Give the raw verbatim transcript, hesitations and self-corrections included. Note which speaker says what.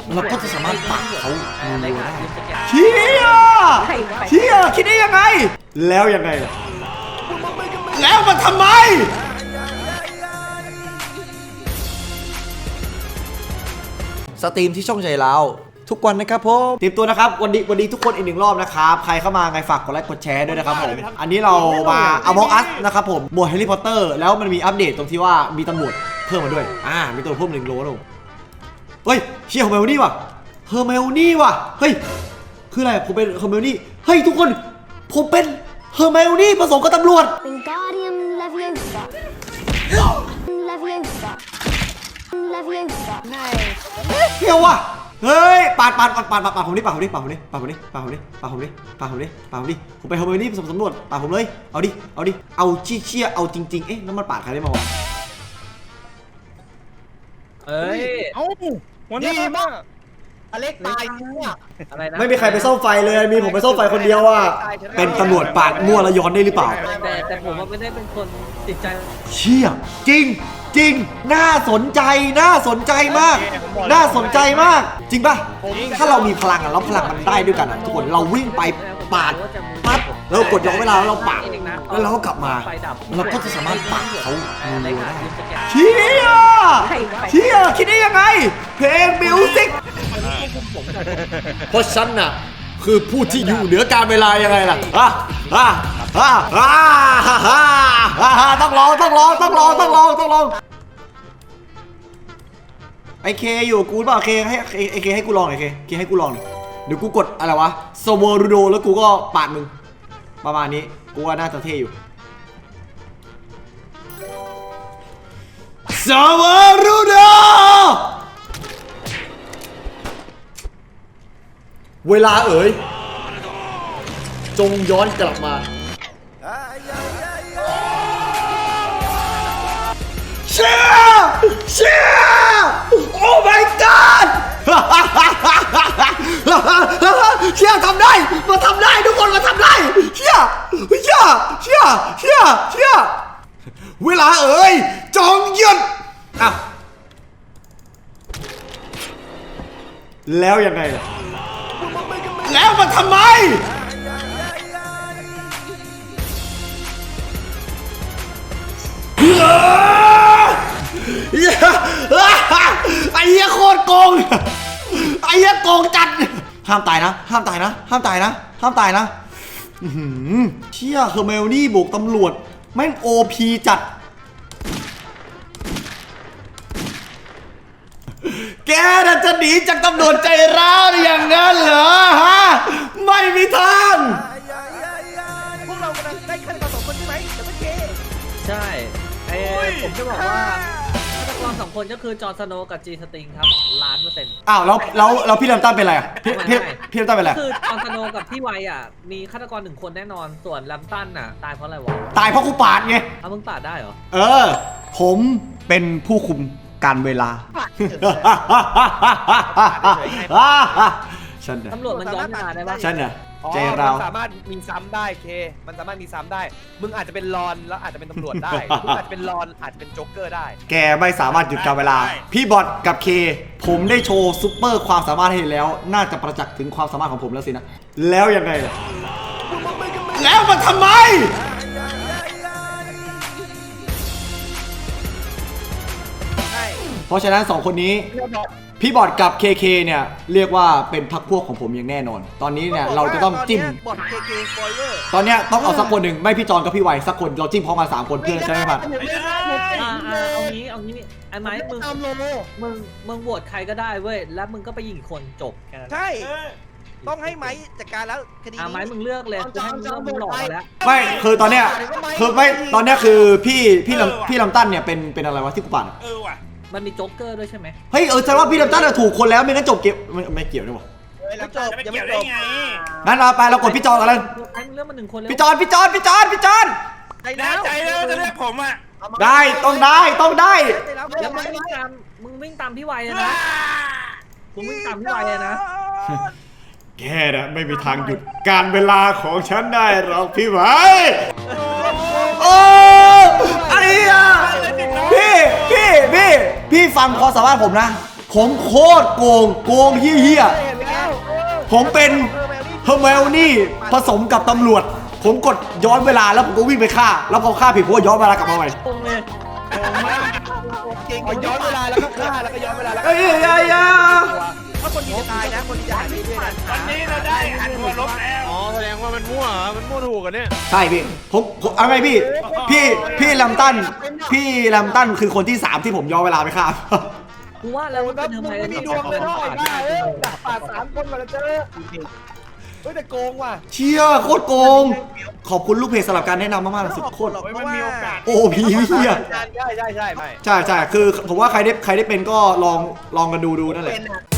Speaker 1: เราก็จะสามารถปักเขาได้
Speaker 2: เชี่ยเชี่ยคิดได้ยังไงแล้วยังไงล่ะแล้วมันทำไมสตรีมที่ช่องใจเราทุกวันนะครับผมเตรียมตัวนะครับวันดีวันดีทุกคนอีกหนึ่งรอบนะครับใครเข้ามาไงฝากกดไลค์กดแชร์ด้วยนะครับผมอันนี้เรามาเอาบ็อกอัสนะครับผมหมวดแฮร์รี่พอตเตอร์แล้วมันมีอัปเดตตรงที่ว่ามีตำรวจเพิ่มมาด้วยอ่ามีตัวเพิ่มหนึ่งโลลงเฮ้ยเชี่ยเฮอร์ไมโอนี่ว่ะเฮอร์ไมโอนี่ว่ะเฮ้ยคืออะไรผมเป็นเฮอร์ไมโอนี่เฮ้ยทุกคนผมเป็นเฮอร์ไมโอนี่ผสมกับตำรวจ
Speaker 3: Wingardium Leviosa Leviosa Leviosa
Speaker 2: เที่ยวว่ะเฮ้ยปาดปาดปาดปาดปาดปาดผมดิปาดผมดิปาดผมดิปาดผมดิปาดผมดิปาดผมดิปาดผมดิปาดผมดิผมไปเฮอร์ไมโอนี่ผสมตำรวจปาดผมเลยเอาดิเอาดิเอาชี้เชี่ยเอาจริงๆเอ๊ะน้ำมันปาดใครได้มาวะ
Speaker 1: เอ้ย
Speaker 4: เอ้าวันนี้มากอเล็กตายเนี่ย
Speaker 1: อะไรนะ
Speaker 2: ไม่มีใครไปซ่อมไฟเลยมีผมไปซ่อมไฟคนเดียวอ่ะเป็นตำรวจปาดมั่วแล้วย้อนได้หรือเปล่า
Speaker 1: แต่แต่ผมว่าไม่ได้เป็นคนติดใจ
Speaker 2: เชี่ยจริงจริงน่าสนใจน่าสนใจมาก น่าสนใจมาก จริงป่ะถ้าเรามีพลังอ่ะแล้วพลังมันได้ด้วยกันอ่ะทุกคนเราวิ่งไปปาดปั๊บแล้วกดย้อนเวลาแล้วเราปาดแล้วเราก็กลับมาเราก็จะสามารถปาดเขาได้เชี่ยเชี่ยคิดได้ยังไงเพลงมิวสิกเพราะฉันน่ะคือผู้ที่อยู่เหนือการเวลายังไงล่ะอ่ะอ่ะอ่ะอ่ะอ่ะต้องลองต้องลองต้องลองต้องลองต้องลองไอเคอยู่กูเปล่าเคให้ไอเคให้กูลองหน่อยเคเคให้กูลองหน่อยเดี๋ยวกูกดอะไรวะสวอรูโดแล้วกูก็ปาดมึงประมาณนี้กูว่าน่าจะเท่อยู่สวอรูโดเวลาเอ๋ยจงย้อนกลับมาเชี่ยเชี่ยโอ้ my god เชี่ยทำได้มาทำได้ทุกคนมาทำได้เชี่ยเชี่ยเชี่ยเชี่ยเชี่ยเวลาเอ๋ยจงหยุดอ้าวแล้วยังไงล่ะแล้วมันทำไมไอ้เหี้ยโคตรโกงไอ้เหี้ยโกงจัดห้ามตายนะห้ามตายนะห้ามตายนะห้ามตายนะเชี่ยเฮอร์ไมโอนี่บุกตำรวจแม่งโอพีจัดแกน่าจะหนีจากตำรวจใจร้าวอย่างนั้นเหรอฮะไม่มีทาง
Speaker 4: พวกเรากำลังได้ขั้นตอนสองคนใช่ไหมแต่ไม่เค
Speaker 1: ใช่ไอ้ผมจะบอกว่าฆาตกรสองคนก็คือจอร์นสโนว์กับจีสติงครับล้านเปอร์เซ็นต์
Speaker 2: อ้าวแล้วแล้วแล้วพี่ลำตั้นเป็นอะไรอ่ะพี่พี่พี่ลำตั้นเป็นอะไร
Speaker 1: คือจอร์นสโนว์กับพี่ไวอ่ะมีฆาตกรหนึ่งคนแน่นอนส่วนลำตั้นอ่ะตายเพราะอะไรวะ
Speaker 2: ตายเพราะกูปาดไง
Speaker 1: เอามึงปาดได้เหรอ
Speaker 2: เออผมเป็นผู้คุมการเวลาฉันเนี่ย
Speaker 1: ตำรวจมันย้อนเวลาได้ปะ
Speaker 2: ฉันเนี่ยใจเรา
Speaker 4: มันสามารถมีซ้ำได้เคมันสามารถมีซ้ำได้มึงอาจจะเป็นรอนแล้วอาจจะเป็นตำรวจได้มึงอาจจะเป็นรอนอาจจะเป็นโจ๊กเกอร์ได้
Speaker 2: แกไม่สามารถหยุดการเวลาพี่บอทกับเคผมได้โชว์ซุปเปอร์ความสามารถให้เห็นแล้วน่าจะประจักษ์ถึงความสามารถของผมแล้วสินะแล้วยังไงล่ะแล้วมันทำไมเพราะฉะนั้นสองคนนี้พี่บอทกับ เค เค เนี่ยเรียกว่าเป็นพรรคพวกของผมอย่างแน่นอนตอนนี้เนี่ยเราจะต้องจิ้ม
Speaker 4: บอท เค เค สปอยเลอร์
Speaker 2: ตอนเนี้ยต้องเอาสักคนหนึ่งไม่พี่จอนกับพี่ไวสักคนเราจิ้มพร้อมกันสามคนเพื่อจะได้ผ่าน
Speaker 1: เอางี้เอางี้ไอ้ไม้มึงมึงมึงโหวตใครก็ได้เว้ยแล้วมึงก็ไปยิงคนจบแค่นั้น
Speaker 4: ใช่ต้องให้ไม้จัดการแล้วคดี
Speaker 1: นี้ไม้มึงเลือกเลยกูให้มึงเลือกมึงหลอกแล้ว
Speaker 2: ไม่คือตอนเนี้ยคือไม่ตอนเนี้ยคือพี่พี่ลำพี่ลำตั้นเนี่ยเป็นเป็นอะไรวะที่กูปั่น
Speaker 4: เออว่ะ
Speaker 1: มันมีโจ๊กเกอร์ด้วยใช่ไหม
Speaker 2: เฮ้ยเออแสดงว่าพี่ลำตั้นถูกคนแล้วไม่งั้นจบเกมไม่ไม่เกี่ยวด้วยวะ
Speaker 4: ไม่จบยังไม่จบ
Speaker 2: งั้นเราไปเรากดพี่จอนกันเลย
Speaker 1: ให้มึงเลือกมาหนึ่งคนเลย
Speaker 2: พี่จอนพี่จอนพี่จอนพี่จอน
Speaker 4: แน่ใจเลยจะเลือกผมอ่ะ
Speaker 2: ได้ต้องได้ต้องได้
Speaker 1: แล้วมึงวิ่งตามมึงวิ่งตามพี่ไวเลยนะมึงวิ่งตามพี่ไวเลยนะ
Speaker 2: แกนะไม่มีทางหยุดการเวลาของฉันได้หรอกพี่ไวโอ้ไอ้อะพี่พี่พี่พี่ฟังความสามารถผมนะผมโคตรโกงโกงเฮี้ย
Speaker 4: เห็นแล้วเออ
Speaker 2: ๆผมเป็นเฮอร์เมลนี่ผสมกับตำรวจ ผมกดย้อนเวลาแล้วผมก็วิ่งไปฆ่า แล้วพอฆ่าผิดผมก็ย้อนเวลากลับมาใหม่
Speaker 1: ตรงเลย
Speaker 4: จริงย้อนเวลาแล้วก็ฆ่าแล้วก็ย้อนเวลาแล้วก็
Speaker 2: เอ้ยเอ้ยเอ้ย
Speaker 4: ถ้าคนยิงจะตายนะคนยิงจะหายไปด้วยนะ
Speaker 5: วันนี้เราได้อันตัวลบแล้ว อ๋อแสดงว่ามันมั่วเหรอมันมั่วถูกกันเนี่ย
Speaker 2: ใช่พี่ผมผมเอาไงพี่ พี่พี่แลมตันพี่แลมตันคือคนที่สามที่ผมย้อนเวลาไปฆ่า
Speaker 1: กูว่าแล้ว
Speaker 4: มึ
Speaker 1: มัน
Speaker 4: ง
Speaker 1: เป็นทำไม
Speaker 4: ไม่มีดวงเลยเนาะไอ้บ้าเอ้ยดักป่าสามคนมาแล้วเจอเฮ้ยแต่โกงว่ะ
Speaker 2: เชี่ยโคตรโกง ขอบคุณลูกเพจสำหรับการแนะนำมากๆสุดโคตร
Speaker 5: ไม่มันมีโอกาส
Speaker 2: โอ้พี่เฮีย
Speaker 4: ใช่ใช่ใช่ไม่
Speaker 2: ใช่ใช่คือผมว่าใครได้ใครได้เป็นก็ลองลองกันดูดูนั่นแหละ
Speaker 4: เป็นอะ